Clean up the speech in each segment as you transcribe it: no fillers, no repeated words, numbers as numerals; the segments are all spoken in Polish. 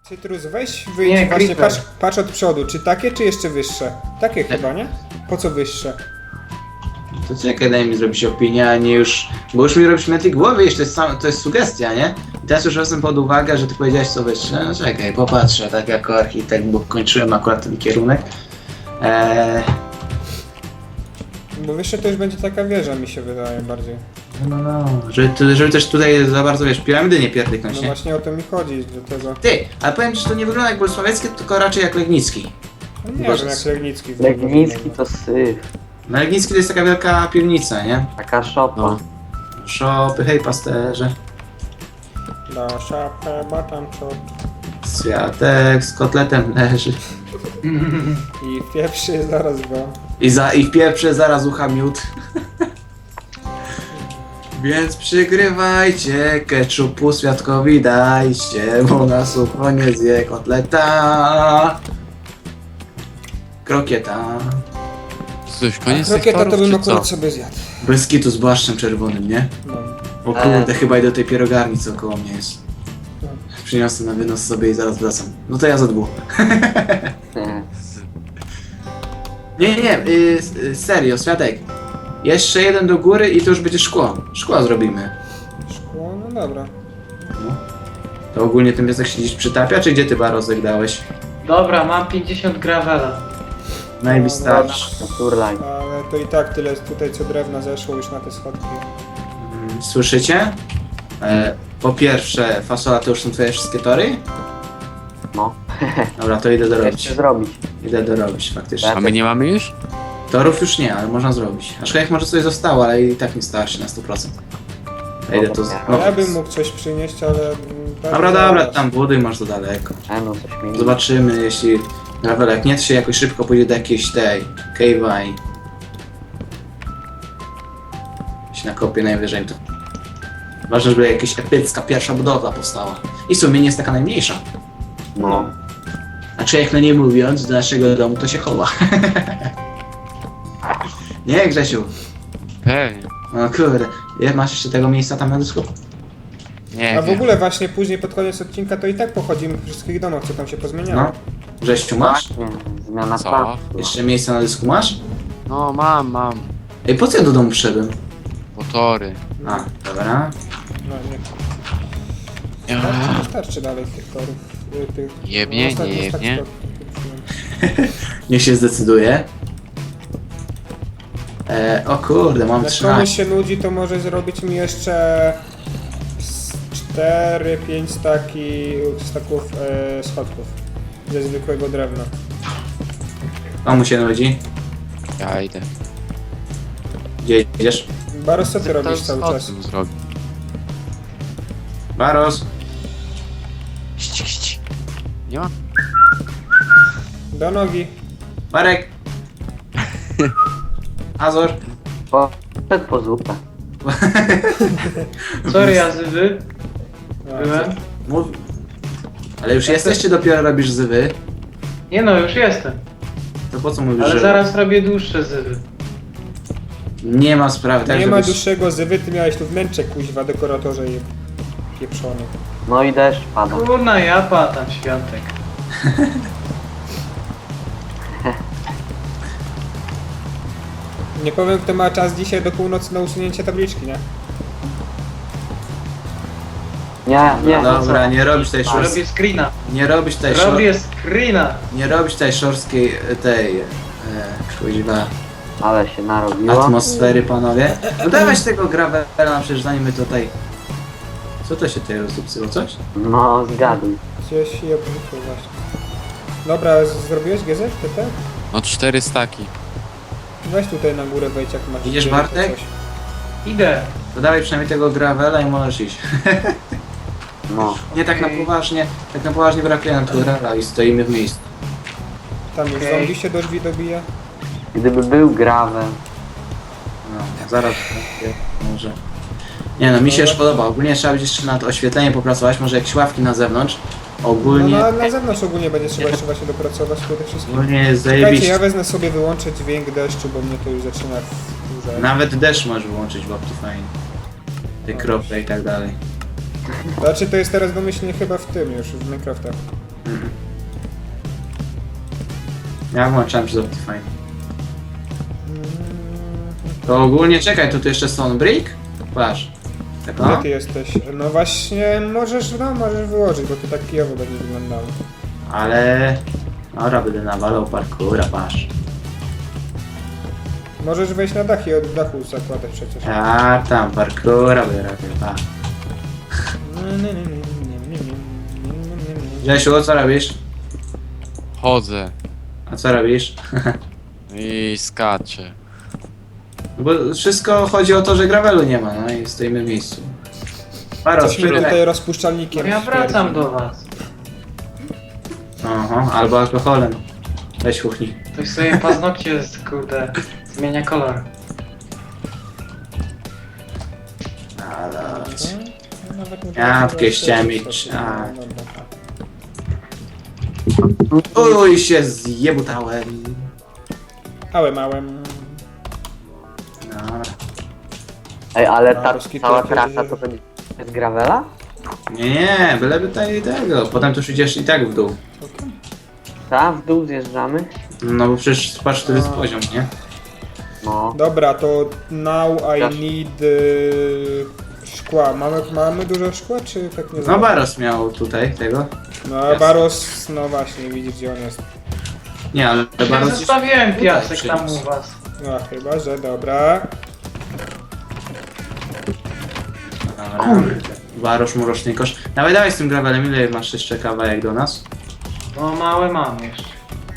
Cytrus, weź wyjdź Nie, właśnie, creeper. patrz od przodu. Czy takie, czy jeszcze wyższe? Takie chyba, nie? Po co wyższe? To czekaj, daj mi zrobić opinię, a nie już... Bo już mi robisz na tej głowie, jeszcze to jest sugestia, nie? I teraz już wezmę pod uwagę, że ty powiedziałeś co wyższe. No czekaj, popatrzę, tak jako architekt, bo kończyłem akurat ten kierunek. Bo wyższe to już będzie taka wieża, mi się wydaje bardziej. No. Żeby też tutaj za bardzo, wiesz, piramidy nie pierdyknąć, No nie? właśnie o to mi chodzi, do tego. Ty, ale powiem ci, że to nie wygląda jak bolesławieckie, tylko raczej jak Legnicki. No nie Boże. wiem, jak Legnicki. Legnicki to syf. No Legnicki to jest taka wielka piwnica, nie? Taka szopa. No. Szopy, hej pasterze. Da szapę, batam czop. Światek z kotletem leży. I pierwszy zaraz go. I w pieprze zaraz ucha miód. Więc przygrywajcie, keczupu świadkowi dajcie, bo na sucho nie zje kotleta. Krokieta. Coś, koniec tych Krokieta to torów, bym czy akurat co? sobie zjadł. Bez kitu z błaszczem czerwonym, nie? No. O kurde, chyba i do tej pierogarni co koło mnie jest. Przyniosę na wynos sobie i zaraz wracam. No to ja za dwóch. Nie, serio, Światek. Jeszcze jeden do góry i to już będzie szkło. Szkło zrobimy. Szkło, no dobra. No. To ogólnie ten piesek się gdzieś przytapia, czy gdzie ty Barosek dałeś? Dobra, mam 50 gravela. No i wystarczy. Turlaj. Ale to i tak tyle tutaj co drewna zeszło już na te schodki. Słyszycie? Po pierwsze, fasola to już są twoje wszystkie tory? No. Dobra, to idę dorobić. Jeszcze zrobić. Idę dorobić faktycznie. A my nie mamy już? Torów już nie, ale można zrobić. Aczkolwiek może coś zostało, ale i tak nie starszy na 100%. Ja idę to... No, ja bym mógł coś przynieść, ale... Dobra, tam buduj, masz to daleko. No coś mi... Zobaczymy, jeśli gravel jak nie, to się jakoś szybko pójdzie do jakiejś tej cave'a i się nakopie najwyżej to. Ważne, żeby jakaś epicka pierwsza budowla powstała. I w sumie nie jest taka najmniejsza. No. Znaczy jak no nie mówiąc, do naszego domu to się chowa. Nie Grzesiu? Pewnie. No kurde, masz jeszcze tego miejsca tam na dysku? Nie A w wiem. ogóle właśnie później pod koniec odcinka to i tak pochodzimy po wszystkich domach, co tam się pozmieniało. No. Grzesiu masz? Nie, zmiana Co? planu. Jeszcze miejsca na dysku masz? No mam. Ej, po co ja do domu wszedłem? Motory. A, dobra. No nie. Ja. Wystarczy dalej tych torów. Jebnie, nie ostatnich jebnie. stopni. Niech się zdecyduje. O kurde, mam Jak 13. komuś się nudzi, to może zrobić mi jeszcze 4-5 staków schodków ze zwykłego drewna. Komu się nudzi? Ja idę. Gdzie idziesz? Baros, co ty robisz To cały o czas? tym zrobię. Baros? Ści. Nie ma? Do nogi. Marek? Azor? Poszedł po zupę. Sorry, Azywy. A, Byłem. Mów. Ale już jesteś, czy dopiero robisz zywy? Nie no, już jestem. To po co mówisz, Ale że... zaraz robię dłuższe zywy. Nie ma sprawy, tak Nie ma żebyś- dłuższego zywy, ty miałeś tu wnętrze kuźwa, dekoratorze pieprzony. No i deszcz pada. Kurna, ja patam świątek. Nie powiem, kto ma czas dzisiaj do północy na usunięcie tabliczki, nie? Nie. Dobra, nie robisz tej Robię szorstkiej... screena. Nie robisz tej Robię screena. Nie robisz tej szorstkiej... tej... kuźwa... Ale się narobiło. atmosfery, panowie. No dawać tego gravela, przecież zanim my tutaj... Co to się tutaj rozdupcyło, coś? No zgaduj. Gdzieś je obrócił właśnie. Dobra, zrobiłeś GZ, TT? No 4 staki. Weź tutaj na górę wejdź jak masz. Idziesz, gdzie, Bartek? coś. Idę. To dawaj przynajmniej tego gravela i możesz iść. No. Nie tak na poważnie, tak na poważnie brakuje nam tu gravela i stoimy w miejscu. Tam już Okej. zombie się do drzwi dobija. Gdyby był gravel. No, zaraz może. Nie no, mi się już podoba. Ogólnie trzeba będzie jeszcze nad oświetleniem popracować, może jakieś ławki na zewnątrz. Ogólnie, No na zewnątrz ogólnie będzie trzeba jeszcze właśnie dopracować przede wszystkim. ogólnie jest Czekajcie, zajebiście. ja wezmę sobie wyłączyć dźwięk deszczu, bo mnie to już zaczyna wkurzać. Nawet deszcz możesz wyłączyć w Optifine. Te krople i tak dalej. Znaczy to jest teraz domyślnie chyba w tym już, w Minecraftach. Ja włączałem przez Optifine. To ogólnie, czekaj, to tu jeszcze Stone Brick? Patrz. Tak Gdzie no. ty jesteś? No właśnie, możesz wyłożyć, bo to tak kijowo będzie wyglądało. Ale... Dobra, będę nawalał parkoura, patrz. Możesz wejść na dach i od dachu zakładać przecież. Ja tam parkoura będę robił, patrz. Grzesiu, co robisz? Chodzę A co robisz? i skaczę. Bo wszystko chodzi o to, że gravelu nie ma, no i stoimy w miejscu. Paro, Coś mi tutaj sprytne. rozpuszczalnikiem Ja wracam śmierdzi. do was. Aha, albo alkoholem. Weź kuchni. Ktoś sobie paznokcie kurde zmienia kolor. No, nawet nie Jabłkę wiem, chciałem co mieć, to- a. no, dobra. Uj, się zjebutałem. Małem. Dobra. Ej, ale No, ta ruski cała to trasa będzie- to będzie z gravela? Nie, byleby tutaj tego. Potem tu już idziesz i tak w dół. Tam w dół zjeżdżamy? No bo przecież patrz, który jest poziom, nie? No. Dobra, to now I Dasz. need szkła. Mamy dużo szkła, czy tak nie No znam? Baros miał tutaj tego. No Jasne. Baros, no właśnie, widzisz gdzie on jest. Nie, ale Ja Baros... zostawiłem tutaj piasek tam przyniósł. u was. No chyba, że dobra. Dobra. Barosz, muroczny kosz. Dawaj, dawaj z tym gravelem, ile masz jeszcze kawałek do nas? No małe mam jeszcze.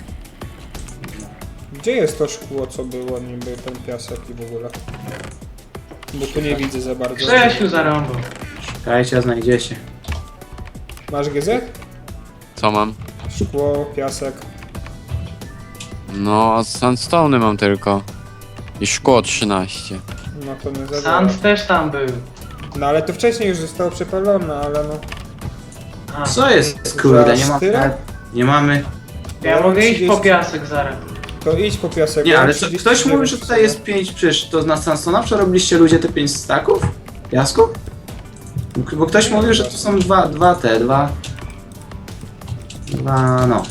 Gdzie jest to szkło, co było niby, ten piasek i w ogóle? Bo tu nie widzę za bardzo. Grzesiu zarąbał. Czekajcie, a znajdziecie. Masz GZ? Co mam? Szkło, piasek. No, sandstone mam tylko. I szkło 13. No to nie za dużo. Sand też tam był. No ale to wcześniej już zostało przepalone, ale no. A, Co jest, kurde, nie Za mamy... tyle? Nie mamy... ja mogę iść po 30. piasek zaraz. To idź po piasek. Nie, bo ale mam co, 39 ktoś mówi, że tutaj jest 5, przecież to na Sansona przerobiliście ludzie te 5 staków? Piasku? Bo ktoś Nie, mówił, że to są dwa, no.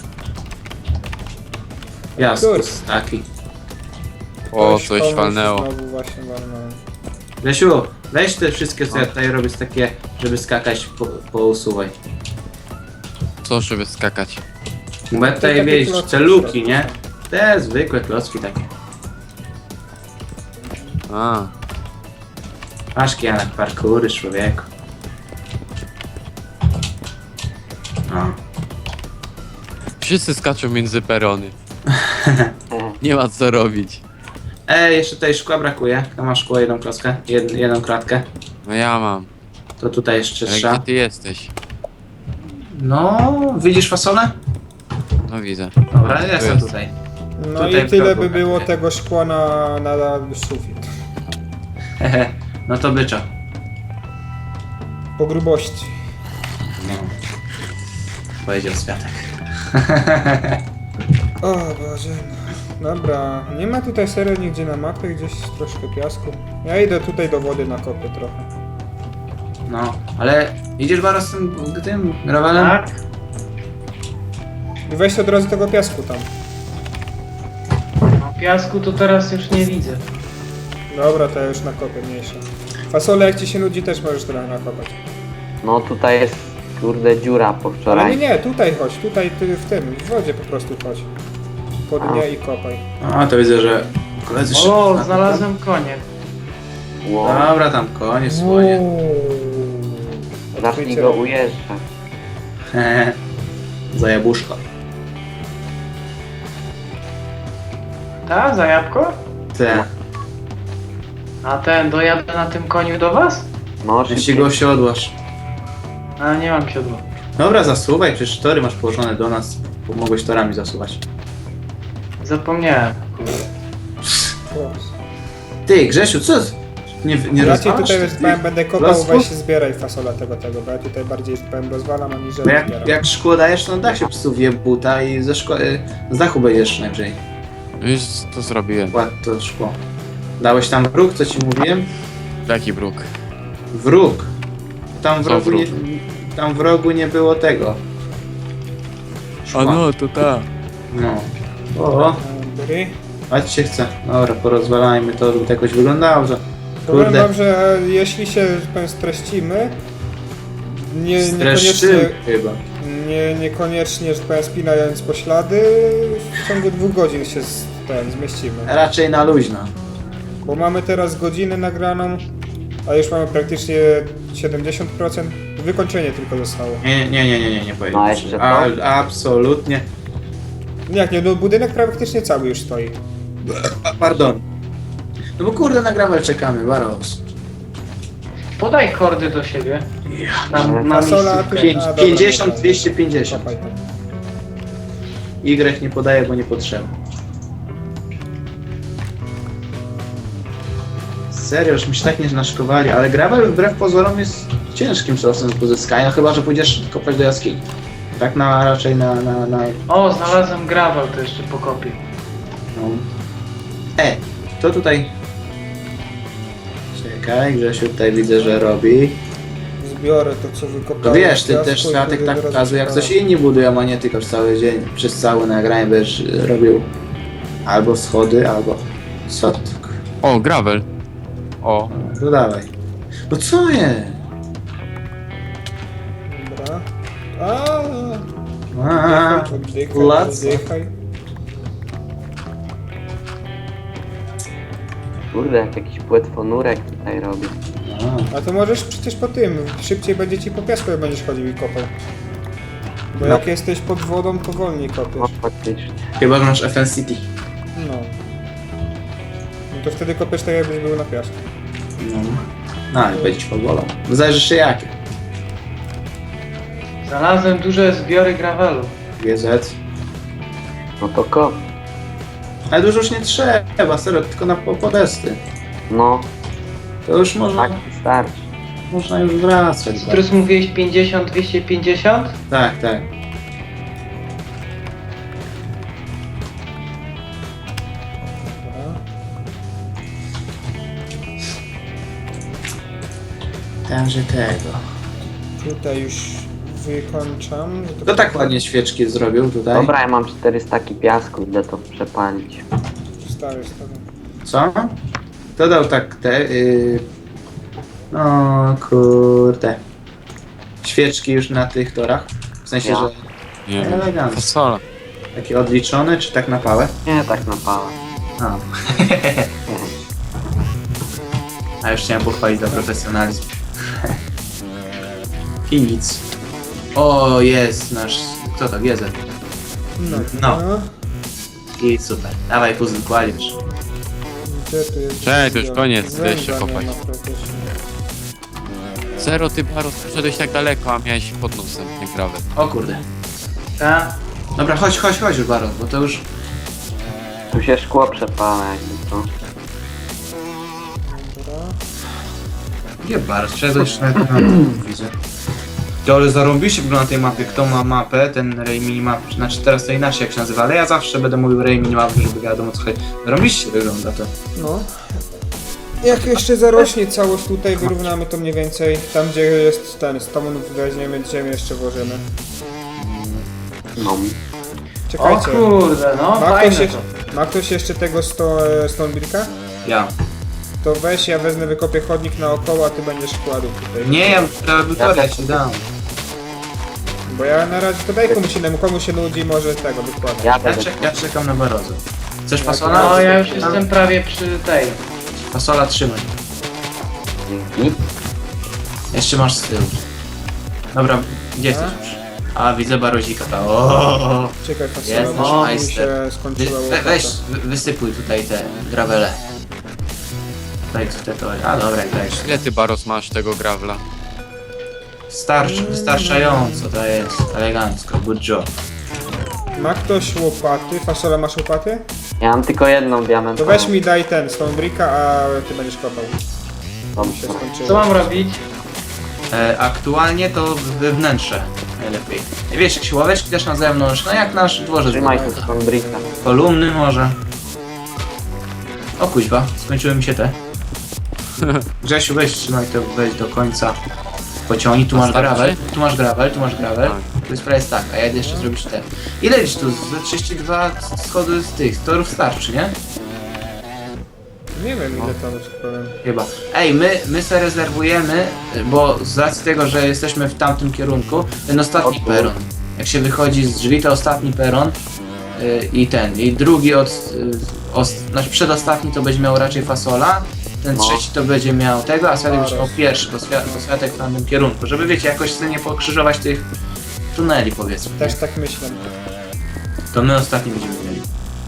Piasku, Kurde. staki. O, Ktoś coś komuś walnęło. Znowu właśnie walnąłem. Lesiu, weź te wszystkie, co ja tutaj robię, z takie, żeby skakać, pousuwaj. Co, żeby skakać? Bo ja tutaj, takie wiesz, klocki te w luki, środku nie? są. Te zwykłe klocki takie. A, Masz Janek, parkury, człowieku. No. wszyscy skaczą między perony. Nie ma co robić. Jeszcze tutaj szkła brakuje. Kto ma szkło, jedną klockę, jedną kratkę. No ja mam. To tutaj jeszcze Ale trzeba. gdzie ty jesteś? No, widzisz fasolę? No widzę. Dobra, Tu jestem jest. tutaj. No Tutaj i tyle w progu by było brakuje. tego szkła na sufit. No to byczo. Po grubości. No. Powiedział Światek. O Boże. No. Dobra, nie ma tutaj serio nigdzie na mapie, gdzieś troszkę piasku. Ja idę tutaj do wody na kopy trochę. No, ale idziesz Baros z tym gravelem? Tak? I weź od razu tego piasku tam. No piasku to teraz już nie widzę. Dobra, to ja już nakopię mniejsze. Fasole, jak ci się nudzi, też możesz trochę nakopać. No tutaj jest kurde dziura po Ale wczoraj. nie, tutaj chodź, tutaj ty w tym, w wodzie po prostu chodź. Po dnie i kopaj. A, to widzę, że koledzy O, szybko. znalazłem konie. Wow. Dobra, tam konie swoje. Zacznij go ujeżdżać. Za jabłuszko. Ta, za jabłko? Te. A ten, dojadę na tym koniu do was? No Jeśli szybciej. go osiodłasz. A nie mam siodła. Dobra, zasuwaj, przecież tory masz położone do nas. Mogłeś torami zasuwać. Zapomniałem. Ty, Grzesiu, co? Nie Ja ci rozwalasz tutaj tych powiem, będę kopał, klocków? weź zbieraj fasola tego, bo ja tutaj bardziej powiem rozwalam, aniżeli Bo zbieram. jak szkło dajesz, to na dach się psuje buta i z dachu będziesz najwyżej. Już to zrobiłem. Kładł to szkło. Dałeś tam wróg, co ci mówiłem? Jaki bruk? Wróg. Tam w Co rogu, wróg? tam w rogu nie było tego. A no, to ta. No. O, Dobry. patrzcie chce. Dobra, porozwalajmy to, żeby to jakoś wyglądało, że... Powiem Kurde. wam, że jeśli się że powiem, streścimy, niekoniecznie, Streszczymy chyba. niekoniecznie, że powiem, spinając poślady, w ciągu 2 godzin się zmieścimy. Raczej na luźno. Bo mamy teraz godzinę nagraną, a już mamy praktycznie 70%. Wykończenie tylko zostało. Nie powiem. No, jeszcze to? Absolutnie. Jak nie, no budynek praktycznie cały już stoi. Pardon. No bo kurde, na gravel czekamy, Baros. Podaj kordy do siebie. Na Fasola, miejscu. 50, 250. Kopaj tam. Y nie podaje, bo niepotrzebny. Serio, już mi się tak nie naszkowali, ale gravel wbrew pozorom jest ciężkim surowcem do pozyskania, chyba że pójdziesz kopać do jaskini. Tak raczej na... O, znalazłem gravel, to jeszcze pokopię. No. To tutaj... Czekaj, Grzesiu tutaj widzę, że robi. Zbiorę to, co wykopałem. To wiesz, ty piasku też i Światek wtedy tak zaraz pokazuje, jak przepalę. coś inni budują, a nie tylko przez cały dzień, przez całe nagranie będziesz robił albo schody, albo... Co to? O, gravel. O, No dawaj. No co jest? Dobra. A, oddychaj, Lac. oddychaj. Kurde, jak jakiś płetwonurek tutaj robi. A to możesz przecież po tym, szybciej będzie ci po piasku, jak będziesz chodził i kopał. Bo No. jak jesteś pod wodą, to wolniej No kopiesz. faktycznie. Chyba, że masz FN City. No. No to wtedy kopiesz tak, jakbyś był na piasku. No, ale będzie ci powolą. Zależy jeszcze jakie. Znalazłem duże zbiory gravelu. GZ. No to kop. Ale dużo już nie trzeba, serio, tylko na podesty. No, To już można, tak starczy. można już wracać. Któryś mówiłeś 50, 250? Tak, tak. Dobra. Także tego. Tutaj już wykończam. Kto tak ładnie świeczki zrobił tutaj? Dobra, ja mam 400 piasku, idę to przepalić. Stawię. Co? Kto dał tak te... No kurde. Świeczki już na tych torach? W sensie, Ja. że nie wiem. elegancko. Fasola. Takie odliczone, czy tak na pałę? Nie, tak na pałę. A. A już chciałem pochwalić za profesjonalizm. I nic. O, jest nasz... Kto to? GZ. No. No. I super. Dawaj puzzle kładziesz. Gdzie tu jest? Cześć, to już koniec, Węgla weź się nie kopać. ma praktycznie. Zero, ty Baros, poszedłeś tak daleko, a miałeś pod nosem ten gravel. O kurde. Tak? Dobra, chodź już Baron, bo to już... Tu się szkło przepala jakby to. Dobra. Gdzie Baron? Szedłeś na widzę. To ale zarąbiście wygląda na tej mapie. Kto ma mapę, ten Ray Minimap, znaczy teraz to inaczej jak się nazywa, ale ja zawsze będę mówił Ray Minimap, żeby wiadomo co chodzi. Zarąbiście wygląda to. No. Jak jeszcze zarośnie całość tutaj, wyrównamy to mniej więcej. Tam gdzie jest ten stone, weźmiemy ziemię, jeszcze włożymy. No. O Czekajcie. kurde, no Ma fajne ktoś, to. ma ktoś jeszcze tego Stonebricka? Ja. To weź, ja wezmę, wykopię chodnik naokoło, a ty będziesz kładł tutaj. Nie, ja to ci dam. Bo ja na razie to daj komuś innemu, komu się nudzi, może tego wykładać. Ja będę. Ja czekam na Barozę. Chcesz fasola? No ja już jestem prawie przy tej. Fasola trzymaj. Dzięki. Jeszcze masz z tyłu. Dobra, gdzie jesteś już? A, widzę Barozika. O, Czekaj, Jest fasola, nasz bo mi majster. się skończyła łopata. Weź, wysypuj tutaj te gravele. Daj tu te tory. A dobra, dajesz. Ile ty Baros masz tego gravela? Wystarczająco to jest. Elegancko, good job. Ma ktoś łopaty? Fasola, masz łopaty? Ja mam tylko jedną To diamentową. weź mi daj ten Stonebricka, a ty będziesz kopał. Się Dobrze. skończyło. Co mam robić? Aktualnie to wnętrze najlepiej. Wiesz, jak siłoweczki też na zewnątrz, no jak nasz dworzec. Trzymaj tu swoją brika. Kolumny może. O kuźwa, skończyły mi się te. Grzesiu, weź trzymaj to, weź do końca. pociągnij, tu masz Wystarczy? gravel, tu masz gravel, tu masz gravel. Tak. To jest prawie tak, a ja idę jeszcze zrobić te. Ile gdzieś tu? Ze 32 schody z tych torów starczy, nie? Nie wiem ile tam ci powiem. Chyba. Ej, my se rezerwujemy, bo z racji tego, że jesteśmy w tamtym kierunku, ten ostatni peron. Jak się wychodzi z drzwi, to ostatni peron i drugi znaczy przedostatni to będzie miał raczej fasola, ten No. trzeci to będzie miał tego, a Światek będzie miał pierwszy, bo Światek w tamtym kierunku, żeby wiecie, jakoś sobie nie pokrzyżować tych tuneli, powiedzmy. Też tak myślę. To my ostatni będziemy mieli.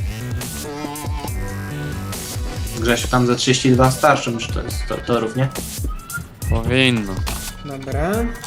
Grzesiu, tam za 32 starszą już to jest torów, nie? Powinno. Dobra.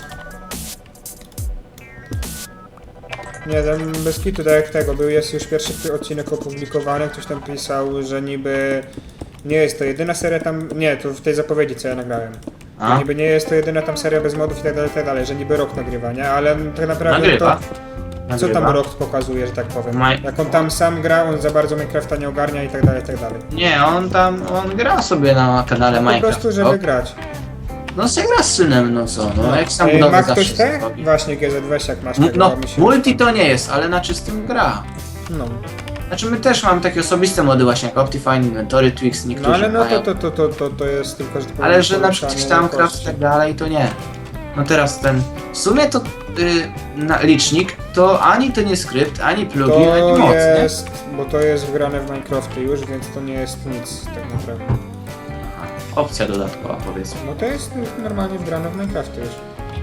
Nie, tam bez kitu, tak jak tego, jest już pierwszy odcinek opublikowany, ktoś tam pisał, że niby nie jest to jedyna seria tam, nie, to w tej zapowiedzi co ja nagrałem. A? Że niby nie jest to jedyna tam seria bez modów i tak dalej, że niby rok nagrywania, ale tak naprawdę Nagrywa. to, co tam rok pokazuje, że tak powiem. Maj- Jak on tam sam gra, on za bardzo Minecrafta nie ogarnia i tak dalej, i tak dalej. Nie, on gra sobie na kanale Po Minecraft. prostu, żeby grać. No se gra z synem, no co, no jak sam Ej, budowę ma ktoś zawsze te? zrobi. Właśnie GZ, weź jak masz tego, No, mi się... multi to nie jest, ale na czystym gra. No. Znaczy my też mamy takie osobiste mody właśnie jak Optifine, Inventory, Twix, niektórzy No ale no mają. to jest tylko, że... Ale że na przykład gdzieś tam craft i tak dalej, to nie. No teraz w sumie to licznik to ani to nie skrypt, ani plugin, ani To moc, nie? jest, bo to jest wgrane w Minecrafty już, więc to nie jest nic tak naprawdę. Aha, opcja dodatkowa powiedzmy. No to jest normalnie wgrane w Minecrafty już.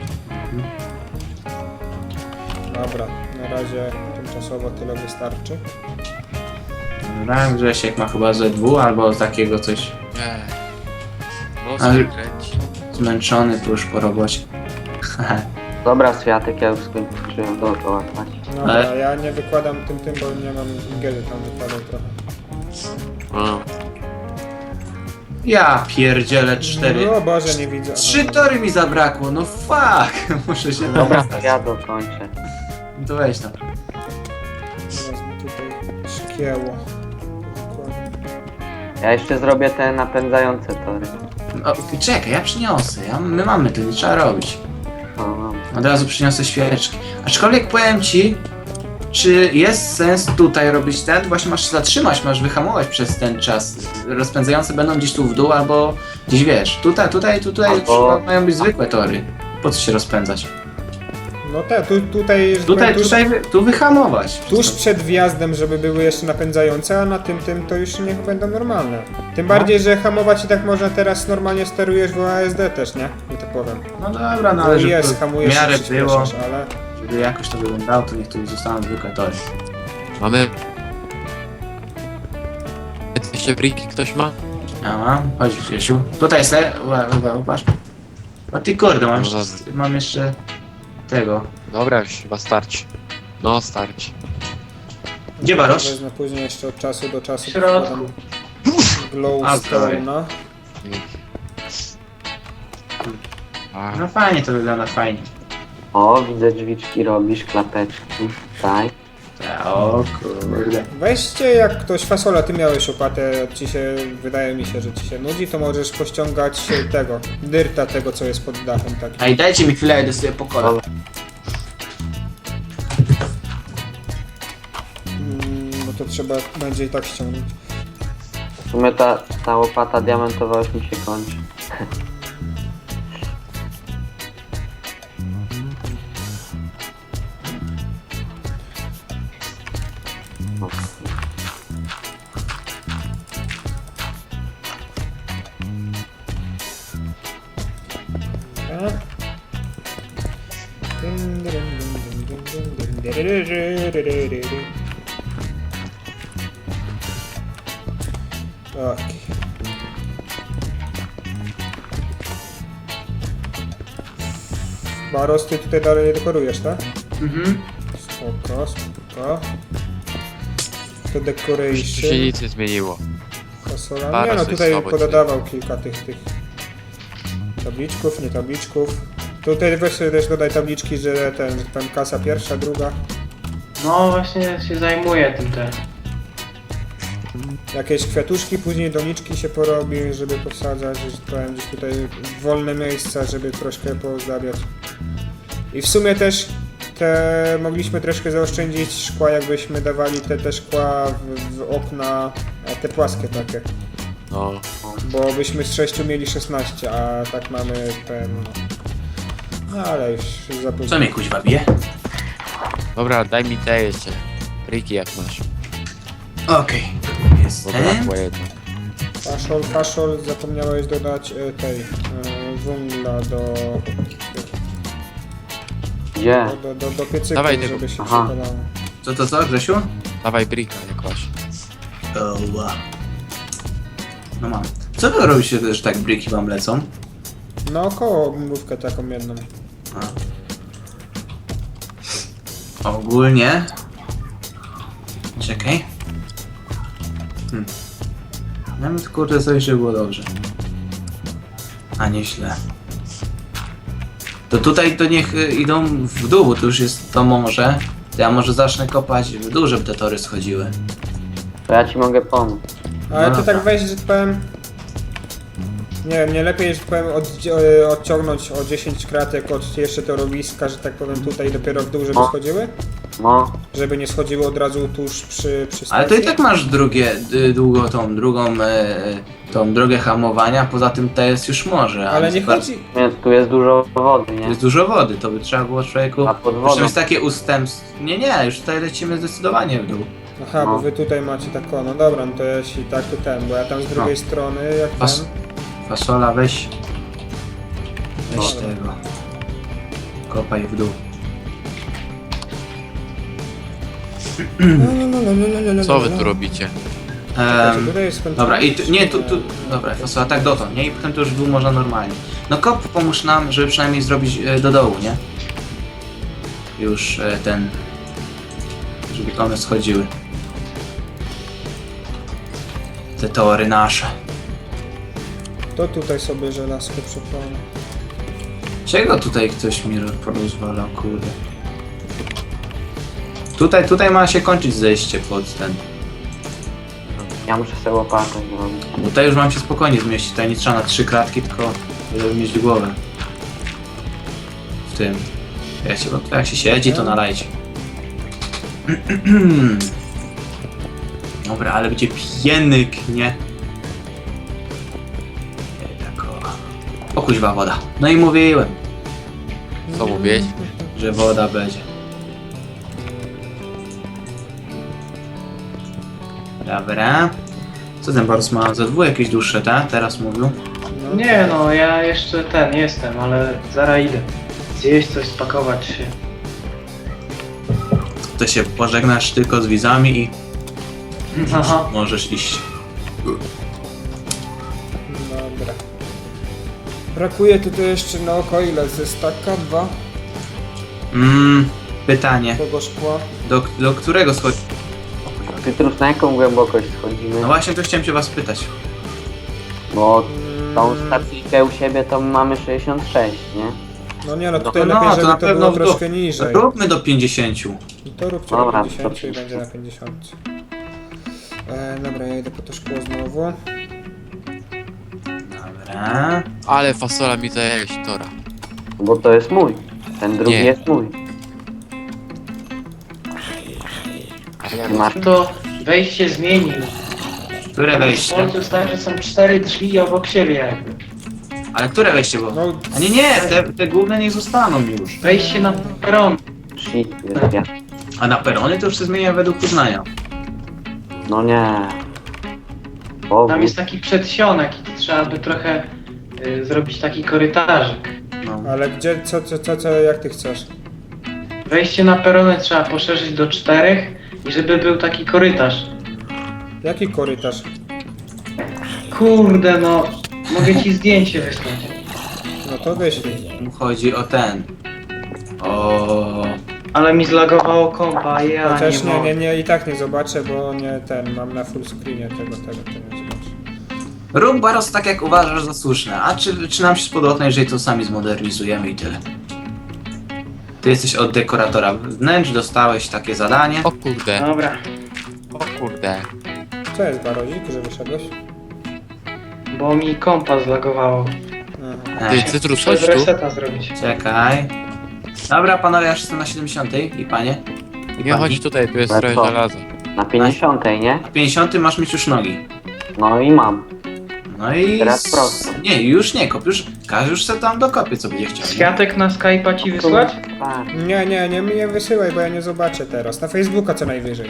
Dobra, na razie tymczasowo tyle wystarczy. Dobra, Grzesiek ma chyba Z2 albo takiego coś Nie. No Ale- sobie kręci. zmęczony tu już po robocie. Dobra, Światek, ja już skończyłem dookoła łatać. Dobra, Ale- ja nie wykładam tym, bo nie mam giery tam wykładał trochę. No. Ja pierdzielę 4. No Boże, nie widzę. 3 tory mi zabrakło, no fuck! Muszę się Dobra, dostać. to ja dokończę. No to weź tam. Teraz mi tutaj szkieło. Ja jeszcze zrobię te napędzające tory. O, czekaj, ja przyniosę. My mamy to, nie trzeba robić. O, Od razu przyniosę świeczki. Aczkolwiek powiem ci, czy jest sens tutaj robić ten? Właśnie masz się zatrzymać, masz wyhamować przez ten czas. Rozpędzające będą gdzieś tu w dół albo gdzieś wiesz. Tutaj Albo- mają być zwykłe tory. Po co się rozpędzać? No tak, tutaj, że powiem, Tu wyhamować. tuż przed wjazdem, żeby były jeszcze napędzające, a na tym to już niech będą normalne. Tym bardziej, że hamować i tak można teraz normalnie sterujesz w ASD też, nie? I to powiem. No dobra, no No ale żeby jest, to hamujesz w miarę i było, przyspieszasz, ale... żeby jakoś to wyglądało, to niech tu zostaną zwykłe tory. Mamy... Jeszcze briki ktoś ma? Ja mam, chodź Grzesiu. Tutaj se, patrz. O ty kurde, No mam jeszcze tego. Dobra, już chyba starczy. No, starczy. Gdzie Barosz? Wezmę później jeszcze od czasu do czasu. W środku. wkładam A, Glowstone'a. A, No fajnie to wygląda, fajnie. o, widzę drzwiczki robisz, klapeczki. Tak. O kurde. Weźcie, jak ktoś fasola, ty miałeś opatę, wydaje mi się, że ci się nudzi, to możesz pościągać tego, dyrta tego, co jest pod dachem takim. Ej, dajcie mi chwilę, idę sobie po kolę. No to trzeba będzie i tak ściągnąć. W sumie ta łopata diamentowa już mi się kończy. Tak. Tak. Baros, ty tutaj dalej nie dekorujesz, tak? Mhm. Spoko, spoko. To już tu się decoration. nic nie zmieniło. Fasola. Nie Baros no, jest tutaj słabo pododawał kilka tych tabliczków, nie tabliczków. Tutaj weź sobie też dodaj tabliczki, że tam kasa pierwsza, druga. No właśnie się zajmuję tym teraz. Jakieś kwiatuszki, później doniczki się porobi, żeby posadzać, że powiem, gdzieś tutaj wolne miejsca, żeby troszkę pozdawiać. I w sumie też mogliśmy troszkę zaoszczędzić szkła, jakbyśmy dawali te szkła w okna, te płaskie takie. No. Bo byśmy z 6 mieli 16, a tak mamy ten... No ale już za późno. Co mnie kuźwa bije? Dobra, daj mi te jeszcze. Riki jak masz. Okej. Bo Jestem. brakło jedno. Faszol, zapomniałeś dodać tej węgla Gdzie? do piecyku, Dawaj tego. żeby się Aha. przepalało. Co, Grzesiu? Dawaj brika jak masz. Oła. No mam. Co wy robicie, że tak briki wam lecą? No około mrówkę taką jedną. Ogólnie... Czekaj. Nawet kurde coś, żeby było dobrze. A nieźle. To tutaj to niech idą w dół, bo to już jest to morze. To ja może zacznę kopać w dół, żeby te tory schodziły. To ja ci mogę pomóc. Ale No to dobra. tak weź, że powiem... Nie lepiej, że powiem, odciągnąć o 10 kratek od jeszcze torowiska, że tak powiem tutaj dopiero w dół, żeby O. schodziły? No, Żeby nie schodziły od razu tuż przy stacji? Ale to i tak masz tą drogę hamowania, poza tym to jest już morze. Ale jest nie bardzo- chodzi... tu jest dużo wody, nie? Jest dużo wody, to by trzeba było człowieku... A pod Zresztą wodą. jest takie ustępstwo... Nie, już tutaj lecimy zdecydowanie w dół. Aha, bo No. wy tutaj macie tak o, no dobra, no to jeśli tak to ten, bo ja tam z drugiej strony, jak Pas- ten... Fasola weź No. tego. Kopaj w dół. Co wy tu robicie? Czekajcie, tutaj jest skończone. Dobra, dobra, fasola tak dotąd, nie? I potem to już w dół można normalnie. No kop, pomóż nam, żeby przynajmniej zrobić do dołu, nie? Już żeby one schodziły. Te tory nasze. To tutaj sobie żelazko przepalę. Czego tutaj ktoś mi porozwalał, kurde? Tutaj ma się kończyć zejście pod ten. Ja muszę sobie łopatę zrobić. Tutaj już mam się spokojnie zmieścić, tutaj nie trzeba na 3 kratki, tylko żeby mieć głowę. W tym. Jak się siedzi, to nalajcie. Dobra, ale będzie pienyk, nie? Tak o kuźwa woda. No i mówiłem, Co mówiłeś? że woda będzie. Dobra. Co ten Boris ma? Za dwóch jakieś dłuższe, tak? Teraz mówił. No. Nie no, ja jeszcze jestem, ale zaraz idę. Zjeść coś, spakować się. To się pożegnasz tylko z widzami i Aha. możesz iść. Dobra. Brakuje tutaj jeszcze na oko ile? Ze staka? 2? Pytanie. Tego szkła? Do którego schodzi? Pietrus, na jaką głębokość schodzimy? No właśnie, to chciałem cię was pytać. Bo tą stacyjkę u siebie to mamy 66, nie? No nie no, tutaj No, lepiej, to żeby na to pewno było w dół. troszkę niżej. Róbmy do 50. I to róbcie Dobra, na 50 to i będzie na 50. Dobra, ja idę po to szkło znowu. Dobra. Ale fasola mi zajęła tora. Bo to jest mój. Ten drugi Nie. jest mój. Masz To wejście zmienił. Które W wejście? końcu stary, że są 4 drzwi obok siebie jakby. Ale które wejście było? No, A nie, te główne niech zostaną już. Wejście na peron. shit, jest ja. A na perony to już się zmienia według uznania. No nie. Bogu. Tam jest taki przedsionek i trzeba by trochę zrobić taki korytarzyk. No. ale gdzie, co, jak ty chcesz? Wejście na perony trzeba poszerzyć do 4 i żeby był taki korytarz. Jaki korytarz? Kurde no, mogę ci zdjęcie wysłać. No to wyślij. Tu chodzi o ten. O. Ale mi zlagowało kompa, ja Chociaż nie mogę. nie, i tak nie zobaczę, bo nie ten, mam na full screenie tego nie zobaczę. Rób Baros tak jak uważasz za słuszne. A czy nam się spodoba, jeżeli to sami zmodernizujemy i tyle. Ty jesteś od dekoratora wnętrz, dostałeś takie zadanie. O kurde, Dobra. o kurde. Co jest barozik, że wyszedłeś? Bo mi kompa zlagowało. Aha. Ty, Cytrus, Trzeba chodź tu. reseta zrobić. Czekaj. Dobra, panowie, ja już jestem na 70 i panie. I Nie, pani. chodź tutaj, tu jest Ale trochę co? żelaza. Na 50, nie? Na 50 masz mieć już nogi. No i mam. No i... Teraz prosto. Nie, już nie kop, już każdy już se tam dokopie, co będzie chciał. nie? Światek na Skype'a ci wysłać? Tak. Nie wysyłaj, bo ja nie zobaczę teraz. Na Facebooka co najwyżej.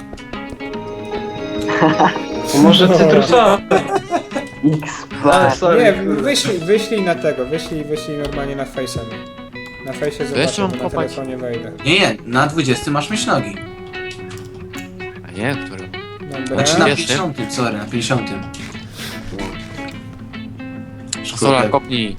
Może cytrusowa? XP. Sorry. Nie, wyślij na tego, wyślij normalnie na Face'a. Na Face'ie zobaczę, jeszcze mam bo na kopać? telefonie wejdę. Nie, na 20 masz mieć nogi. A nie, który? Dobra. Znaczy na 20? 50, sorry, na 50. Solar, kopnij.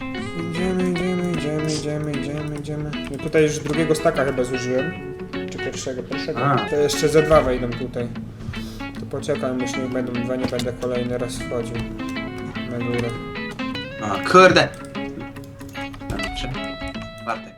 Idziemy. No tutaj już drugiego staka chyba zużyłem. Czy pierwszego? A. To jeszcze ze dwa wejdą tutaj. To poczekam, już niech będą dwa, nie będę kolejny raz wchodził na górę. O kurde. Dobrze. Bartek.